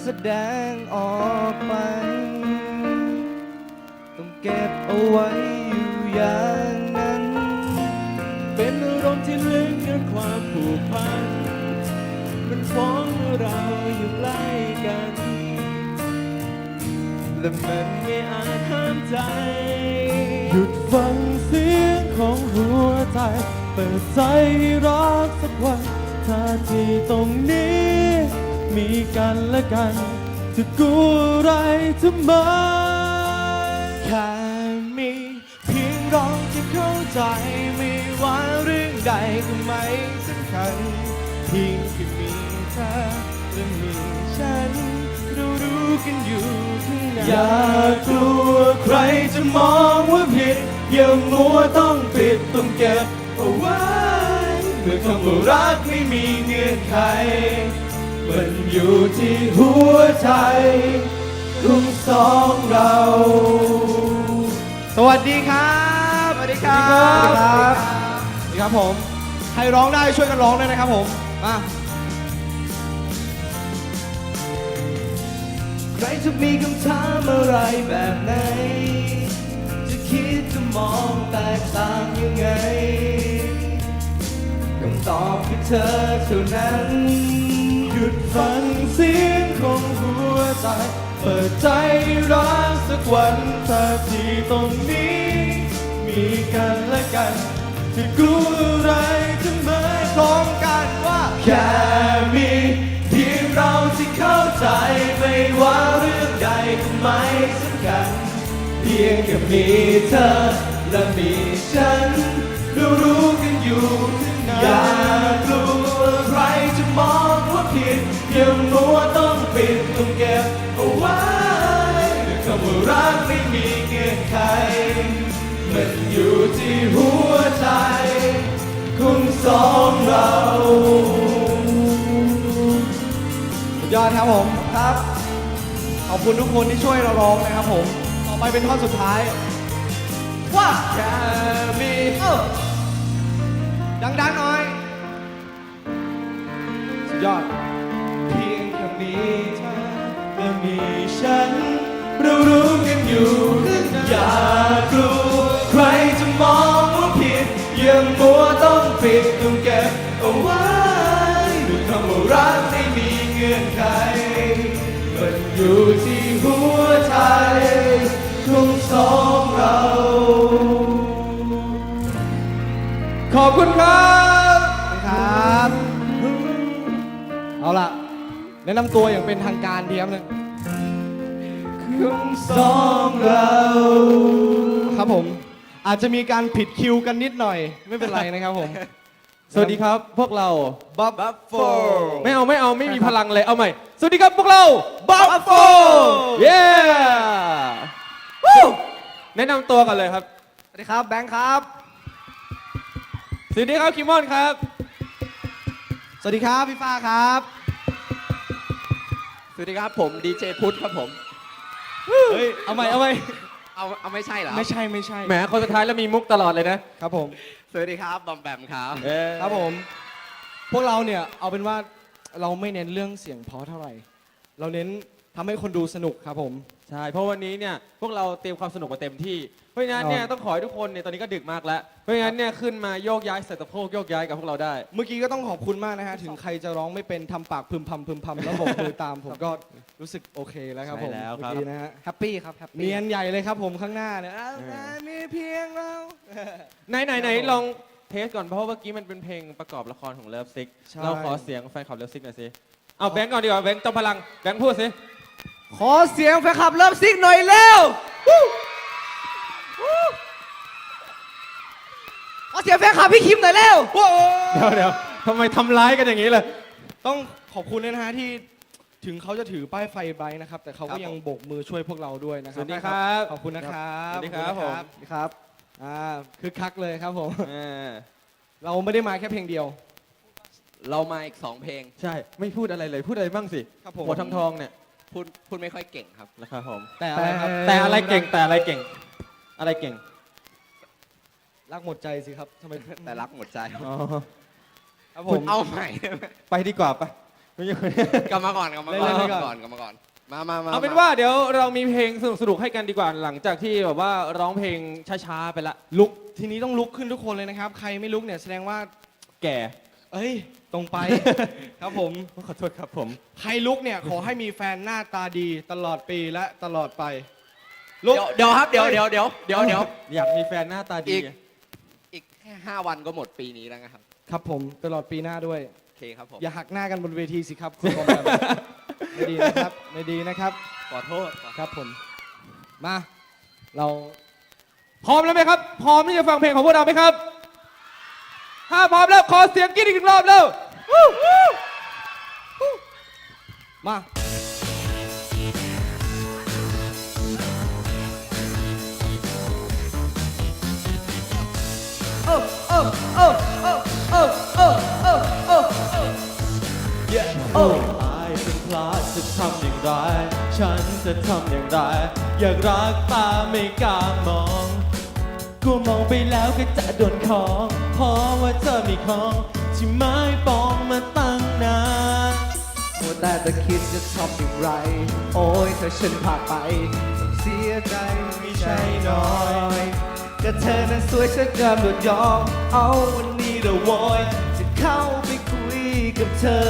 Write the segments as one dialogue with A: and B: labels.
A: แสดงออกไปต้องเก็บเอาไว้อยู่อย่างนั้น
B: เป็นอารมณ์ที่ลึกและความผูกพันมันฟ้องเราอยู่ใกล้กันและมันไม่อาจห้ามใจหยุดฟังเสียงของหัวใจเปิดใจรักสักวันถ้าที่ตรงนี้มีกันและกันจะกลัวอะไรทำไม
A: แค่มีเพียงเราที่เข้าใจไม่ว่าเรื่องใดก็ไม่สำคัญเพียงแค่มีเธอและมีฉันเรารู้กันอยู่ข้างใน
B: อย่ากลัวใครจะมองว่าผิดอย่ามัวต้องปิดต้องเก็บเอาไว้เมื่อคำว่ารักไม่มีเงื่อนไขมันอยู่ที่หัวใจของสองเรา
A: สวัสดีครับสวัสดีครับ สวัสดีครับผมใครร้องได้ช่วยกันร้องด้วยนะครับผมมาใครจะมีคำถามอะไรแบบไหนจะคิดจะมองแตกต่างยังไงคำตอบคือเธอเท่านั้น
B: หยุดฟังเสียงของหัวใจเปิดใจรักสักวันถ้าที่ตรงนี้มีกันและกันจะกลัวอะไรจะไม่
A: พร้อมกันว่า
B: แค่มีเพียงเราที่เข้าใจไม่ว่าเรื่องใดก็ไม่สำคัญเพียงแค่มีเธอและมีฉันรู้กันอยู่อย่ากลัวใครจะมองว่าผิดอย่ามัวต้องปิดต้องเก็บเอาไว้คำว่ารักไม่มีเงื่อนไขมันอยู่ที่หัวใจของสองเรา
A: สุดยอดครับผมครับขอบคุณทุกคนที่ช่วยเราร้องนะครับผมต่อไปเป็นท่อนสุดท้ายว่า
B: แค่มี
A: ดังๆหน่อยสุดยอด
B: เพียงแค่มีเธอและมีฉันรู้กันอยู่อย่ากลัวใครจะมองว่าผิดอย่ามัวต้องปิดต้องเก็บเอาไว้ด้วยคำว่ารักไม่มีเงื่อนไขมันอยู่ที่หัวใจของสองเรา
A: ขอบคุณครับครับเอาล่ะแนะนำตัวอย่างเป็นทางการดีครับนึง
B: ของสองเรา
A: ครับผมอาจจะมีการผิดคิวกันนิดหน่อยไม่เป็นไรนะครับผม
C: สวัสดีครับพวกเรา
A: บัฟโฟ
C: ไม่มีพลังเลยเอาใหม่สวัสดีครับพวกเรา
A: บัฟโฟ
C: เย้แนะนำตัวกันเลยครับ
A: สวัสดีครับแบงค์ครับ
C: สวัสดีครับคิมมอนครับ
A: สวัสดีครับพี่ฟ้าครับ
D: สวัสดีครับผมดีเจพุทธครับผม
A: เฮ้ยเอาใหม่เอา
D: ไม่ใช่เหรอ
A: ไม่ใช่
C: แหมคนสุดท้ายแล้วมีมุกตลอดเลยนะครับ
A: ผม
D: สวัสดีครับบอมแบมครับ
A: ครับผมพวกเราเนี่ยเอาเป็นว่าเราไม่เน้นเรื่องเสียงเพราะเท่าไหร่เราเน้นทำให้คนดูสนุกครับผม
C: ใช่เพราะวันนี้เนี่ยพวกเราเตรียมความสนุกมาเต็มที่เพราะฉะนั้นเนี่ยต้องขอให้ทุกคนเนี่ยตอนนี้ก็ดึกมากแล้วเพราะฉะนั้นเนี่ยขึ้นมาโยกย้ายใส่สะโพกโยกย้ายกับพวกเราได้
A: เมื่อกี้ก็ต้องขอบคุณมากนะฮะถึงใครจะร้องไม่เป็นทำปากพึมพำแล้วบอกมือตามผมก็รู้สึกโอเคแล้วครับผม
C: แล้วครับ
A: นะฮะแฮปปี้ครับเนียนใหญ่เลยครับผมข้างหน้าเนี่ยมีเพียงเรา
C: ไหนลองเทสก่อนเพราะว่าเมื่อกี้มันเป็นเพลงประกอบละครของเลิฟซิกเราขอเสียงแฟนคลับเลิฟซิกหน่อยสิเอาแบงก์ก่อนดีกว่าแบงก์จอมพลังแบงก์พูดสิ
A: ขอเสียงแฟนคลับเลิฟซิกหน่อยเร็วขอเสียงแฟนคลับพี่คิมหน่อยเร็ว
C: เดี๋ยวทำไมทำร้ายกันอย่างนี้เลย
A: ต้องขอบคุณเลยนะฮะที่ถึงเขาจะถือป้ายไฟไบค์นะครับแต่เขาก็ยังโบกมือช่วยพวกเราด้วยนะครับ
C: สวัสดีครับ
A: ขอบคุณนะครับ
C: สวัสดีครับผม
A: ครับคึกคักเลยครับผมเราไม่ได้มาแค่เพลงเดียว
D: เรามาอีก2เพลง
C: ใช่ไม่พูดอะไรเลยพูดอะไรบ้างสิหัวทองเนี่ย
D: พูดไม่ค่อยเก่งครับ
C: นะครับผม
A: แต่อะไรครับ
C: แต่อะไรเก่งอะไรเก่ง
A: รักหมดใจสิครับทำไม
D: แต่รักหมดใจ
A: ครับผม
D: เอาใหม่
C: ไปดีกว่าไปไม่ใช่คน
D: กลับมาก่อนกลับมาก่อน
A: เล่นๆ
D: ก
A: ไป
D: ลับ
A: ก่อน
D: มาก่อนกลับมาก่อนมา
C: เอาเป็นว่าเดี๋ยวเรามีเพลงสนุกๆให้กันดีกว่าหลังจากที่แบบว่าร้องเพลงช้าๆไปละ
A: ลุกทีนี้ต้องลุกขึ้นทุกคนเลยนะครับ ใครไม่ลุกเนี่ยแสดงว่า
C: แก่
A: เอ้ย ตรงไป ครับผม
C: ขอโทษครับผม
A: ใครลุกเนี่ยขอให้มีแฟนหน้าตาดีตลอดปีและตลอดไป ลุก
D: เดี๋ยวครับเดี๋ยว
C: อยากมีแฟนหน้าตาดี
D: อีกแค่5 วันก็หมดปีนี้แล้วนะครับ
A: ครับผมตลอดปีหน้าด้วย
D: โอเคครับผม
A: อย่าหักหน้ากันบนเวทีสิครับคุณบอมแบม ไม่ดีนะครับไม่ดีนะครับ
D: ขอโทษ
A: ครับผม มาเรา
C: พร้อมแล้วไหมครับ พร้อมที่จะฟังเพลงของพวกเราไหมครับ ถ้าพร้อมแล้วขอเสียงกรี๊ดอีกรอบเร็ว
A: มา
B: โอ้ตายเป็นพลาดจะทำอย่างไร ฉันจะทำอย่างไร อยากรักตาไม่กล้ามองกลัวมองไปแล้วก็จะโดนของเพราะว่าเธอมีของที่ไม่ปองมาตั้งนานมัวแต่จะคิดจะทำอย่างไร โอ้ยถ้าฉันพลาดไปต้องเสียใจไม่ใช่น้อยก็เธอนั้นสวยฉันจะหมดยอมเอาวันนี้ละโวยจะเข้าไปคุยกับเธอ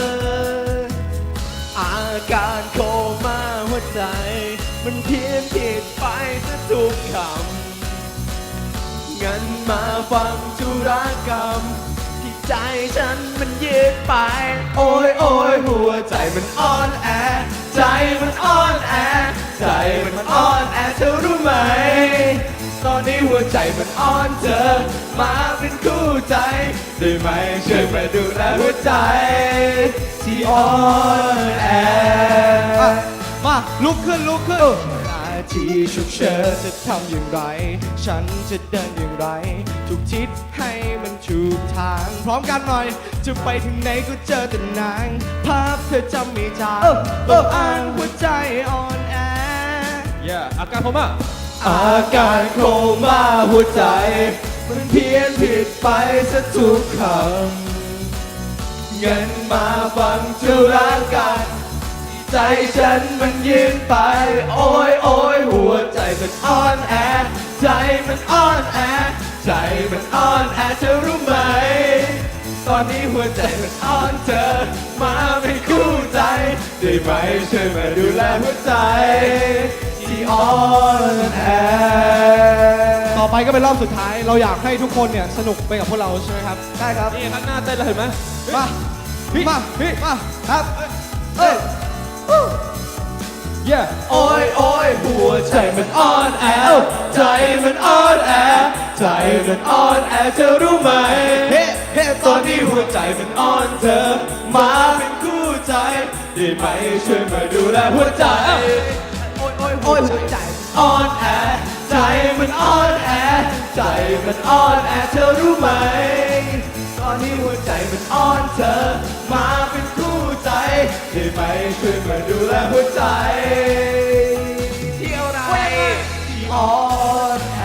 B: อาการโคม่าหัวใจ มันเพี้ยนผิดไปซะทุกคำงั้นมาฟังธุรกรรม ที่ใจฉันมันยืดไป โอ้ยโอ้ยหัวใจมันอ่อนแอ ใจมันอ่อนแอ ใจมันอ่อนแอเธอรู้ไหม ตอนนี้หัวใจมันอ่อนเธอ มาเป็นคู่ใจได้ไหมช่วยมาดูแลหัวใจ ที่อ่อนแอ
A: มาลุกขึ้นลุกขึ้น
B: นาทีฉุกเฉินจะทำอย่างไร ฉันจะเดินอย่างไร ทุกทิศให้มันถูกทาง
A: พร้อมกันหน่อย
B: จะไปถึงไหนก็เจอแต่นาง ภาพเธอจำไม่จางต้องอ้างหัวใจอ่อนแอ
C: อย่าอาการผมอ่ะ
B: อาการโคม่าหัวใจ มันเพี้ยนผิดไปซะทุกคำงั้นมาฟังธุรกันใจฉันมันยืนไป โอ้ยโอ้ยหัวใจมันอ่อนแอ ใจมันอ่อนแอ ใจมันอ่อนแอเธอรู้ไหม ตอนนี้หัวใจมันอ่อนเธอ มาเป็นคู่ใจ ได้ไหมช่วยมาดูแลหัวใจ ที่อ่อนแอ
A: ต่อไปก็เป็นรอบสุดท้าย เราอยากให้ทุกคนเนี่ยสนุกไปกับพวกเราใช่ไหมครับ
B: ได้ครับ
C: นี่ข้างหน้าเต้นเลยเห็นไหม
A: มามามาครับ
B: เอ้ย
C: เย่
B: โอ้ยโอ้ยหัวใจมันอ่อนแอ ใจมันอ่อนแอ ใจมันอ่อนแอเธอรู้ไหม
A: เฮ้เฮ้
B: ตอนนี้หัวใจมันอ่อนเธอ มาเป็นคู่ใจ ได้ไหมช่วยมาดูแลหัวใจ โอ้ยโอ้ยโอ้ยหัวใจอ่อนแอ ใจมันอ่อนแอ ใจมันอ่อนแอเธอรู้ไหม ตอนนี้หัวใจมันอ่อนเธอ มาเป็นคู่ใจ ได้ไหมช่วยมาดูแลหัวใจ
D: เที่ยวไร
B: ที่อ่อนแอ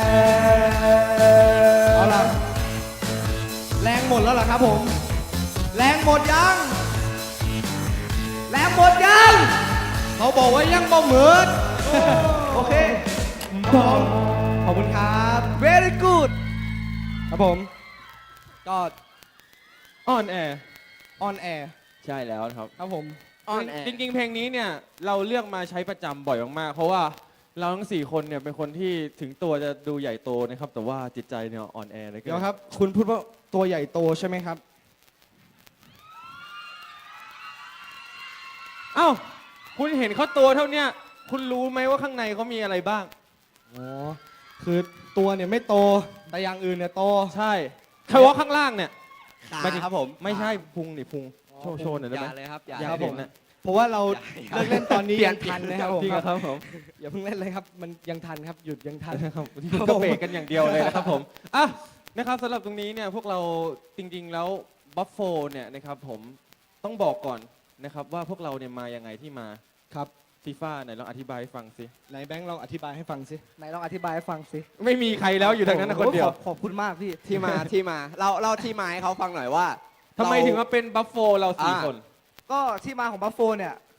A: เอาล่ะแรงหมดแล้วเหรอครับผม แรงหมดยัง แรงหมดยัง เขาบอกว่ายังบ่เหมือนโอเคขอบคุณครับ very good ครับผม ก็
C: อ่อนแอ
A: on air
C: ใช่แล้วนะครับ
A: ครับผม
D: อ่อนแอ
C: จริงๆ เพลงนี้เนี่ยเราเลือกมาใช้ประจำบ่อยมากๆ เพราะว่าเราทั้ง 4 คนเนี่ยเป็นคนที่ถึงตัวจะดูใหญ่โตนะครับ แต่ว่าจิตใจเนี่ยอ่อนแอเลย
A: เดี๋ยวครับ คุณพูดว่าตัวใหญ่โตใช่ไหมครับ
C: เอ้าคุณเห็นเขาตัวเท่าเนี้ยคุณรู้ไหมว่าข้างในเขามีอะไรบ้าง
A: อ๋อ คือตัวเนี่ยไม่โต แต่อย่างอื่นเนี่ยโต
C: ใช่เฉพาะข้างล่างเนี่ย
D: ขา
C: หมายถึง
D: ครับผม
C: ไม่ใช่พุงนี่พุงโชว์หน่อย
D: อ
C: ได้ไหม
D: ย่าเลยครับอย่า
C: อยาก
A: ครับ
C: เห็
A: ผ
C: น
A: ม
C: นะ
A: เพราะว่าเรา
D: อย่า
A: เลิกเล่นตอนนี้
D: เปลี่ย
A: ยั
D: น
A: งทันนะครับผม
C: จริงเหรอครับผม
A: อย่าเพิ่งเล่นเลยครับ มันยังทันครับ หยุดยังทัน
C: ครับคุณก็เบรกกันอย่างเดียวเลยนะครับผมอ่ะนะครับสำหรับตรงนี้เนี่ยพวกเราจริงๆแล้วบัฟโฟเนี่ยนะครับผมต้องบอกก่อนนะครับว่าพวกเราเนี่ยมายังไงที่มา
A: ครับ
C: ฟีฟ่าไหนลองอธิบายให้ฟังสิ
A: ไหนแบงค์ลองอธิบายให้ฟังสิไหนลองอธิบายให้ฟังสิ
C: ไม่มีใครแล้วอยู่ทางนั้นนะคนเดียว
A: ขอบคุณมากพี่
D: ที่มาเราที่มาให้เขาฟังหน่อยว่า
C: ทำไมถึงมาเป็นบัฟโฟเราสี่
D: อ่า
C: คน
A: ก็ที่มาของบัฟโฟเนี่ย